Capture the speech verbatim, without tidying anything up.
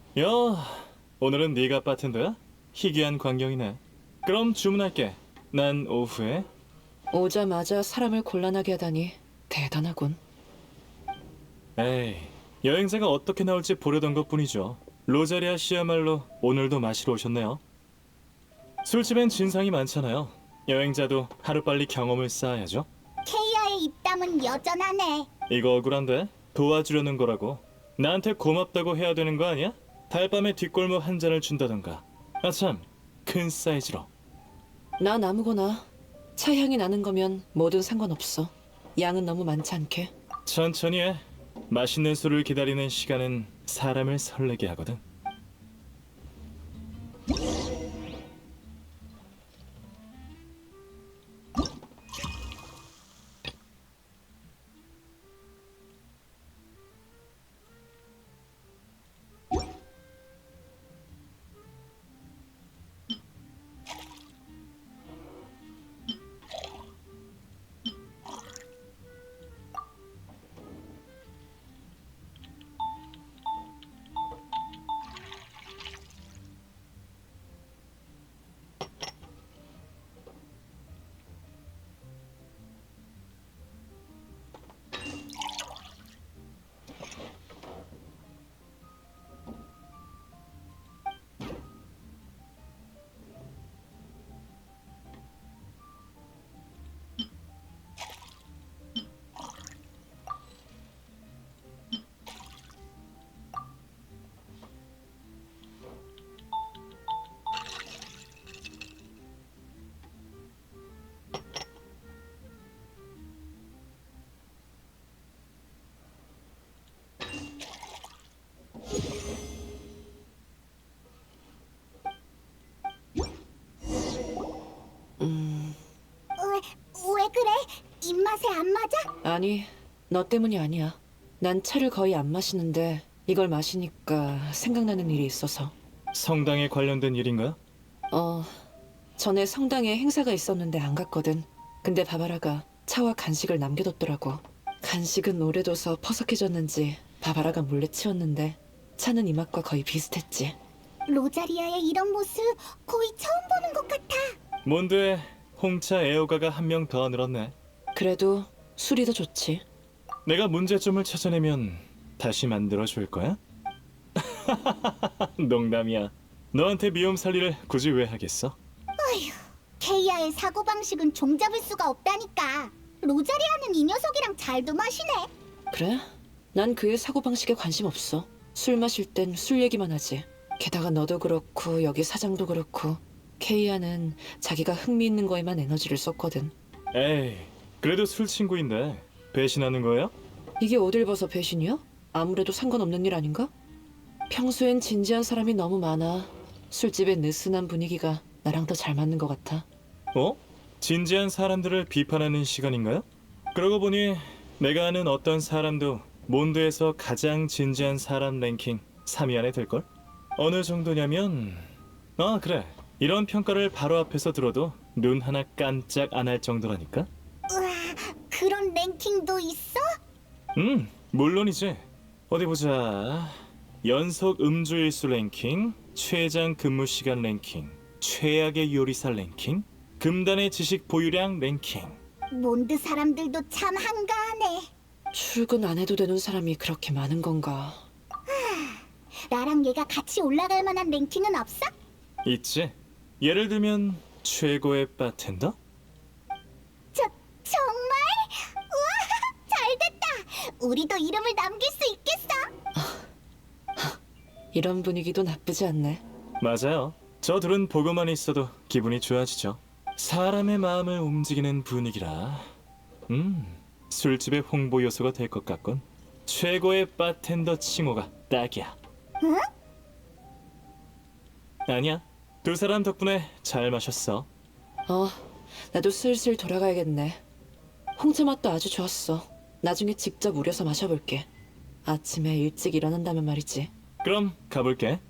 야, 오늘은 네가 바텐더야? 희귀한 광경이네. 그럼 주문할게. 난 오후에. 오자마자 사람을 곤란하게 하다니 대단하군. 에이, 여행자가 어떻게 나올지 보려던 것뿐이죠. 로자리아 씨야말로 오늘도 마시러 오셨네요. 술집엔 진상이 많잖아요. 여행자도 하루빨리 경험을 쌓아야죠. 케이아의 입담은 여전하네. 이거 억울한데? 도와주려는 거라고. 나한테 고맙다고 해야 되는 거 아니야? 달밤에 뒷골목 한 잔을 준다던가. 아참, 큰 사이즈로. 난 아무거나 차 향이 나는 거면 뭐든 상관없어. 양은 너무 많지 않게. 천천히 해. 맛있는 술을 기다리는 시간은 사람을 설레게 하거든. 왜, 왜 그래? 입맛에 안 맞아? 아니, 너 때문이 아니야. 난 차를 거의 안 마시는데 이걸 마시니까 생각나는 일이 있어서. 성당에 관련된 일인가? 어, 전에 성당에 행사가 있었는데 안 갔거든. 근데 바바라가 차와 간식을 남겨뒀더라고. 간식은 오래둬서 퍼석해졌는지 바바라가 몰래 치웠는데 차는 이 맛과 거의 비슷했지. 로자리아의 이런 모습 거의 처음 보는 것 같아. 몬드에 홍차 애호가가 한 명 더 늘었네. 그래도 술이 더 좋지. 내가 문제점을 찾아내면 다시 만들어 줄 거야? 농담이야. 너한테 미움 살리를 굳이 왜 하겠어? 케이아의 사고방식은 종잡을 수가 없다니까. 로자리아는 이 녀석이랑 잘도 마시네. 그래? 난 그의 사고방식에 관심 없어. 술 마실 땐 술 얘기만 하지. 게다가 너도 그렇고 여기 사장도 그렇고 케이아는 자기가 흥미있는 거에만 에너지를 썼거든. 에이, 그래도 술 친구인데 배신하는 거예요? 이게 어딜 봐서 배신이야? 아무래도 상관없는 일 아닌가? 평소엔 진지한 사람이 너무 많아. 술집의 느슨한 분위기가 나랑 더 잘 맞는 것 같아. 어? 진지한 사람들을 비판하는 시간인가요? 그러고 보니 내가 아는 어떤 사람도 몬드에서 가장 진지한 사람 랭킹 삼 위 안에 들걸? 어느 정도냐면... 아 그래, 이런 평가를 바로 앞에서 들어도 눈 하나 깜짝 안 할 정도라니까? 우와, 그런 랭킹도 있어? 음, 물론이지. 어디 보자. 연속 음주일수 랭킹, 최장 근무 시간 랭킹, 최악의 요리사 랭킹, 금단의 지식 보유량 랭킹. 몬드 사람들도 참 한가하네. 출근 안 해도 되는 사람이 그렇게 많은 건가? 나랑 얘가 같이 올라갈 만한 랭킹은 없어? 있지. 예를 들면 최고의 바텐더? 저, 정말? 우와, 잘됐다. 우리도 이름을 남길 수 있겠어. 이런 분위기도 나쁘지 않네. 맞아요. 저 둘은 보고만 있어도 기분이 좋아지죠. 사람의 마음을 움직이는 분위기라. 음, 술집의 홍보 요소가 될 것 같군. 최고의 바텐더 칭호가 딱이야. 응? 아니야. 두 사람 덕분에 잘 마셨어. 어, 나도 슬슬 돌아가야겠네. 홍차 맛도 아주 좋았어. 나중에 직접 우려서 마셔볼게. 아침에 일찍 일어난다면 말이지. 그럼 가볼게.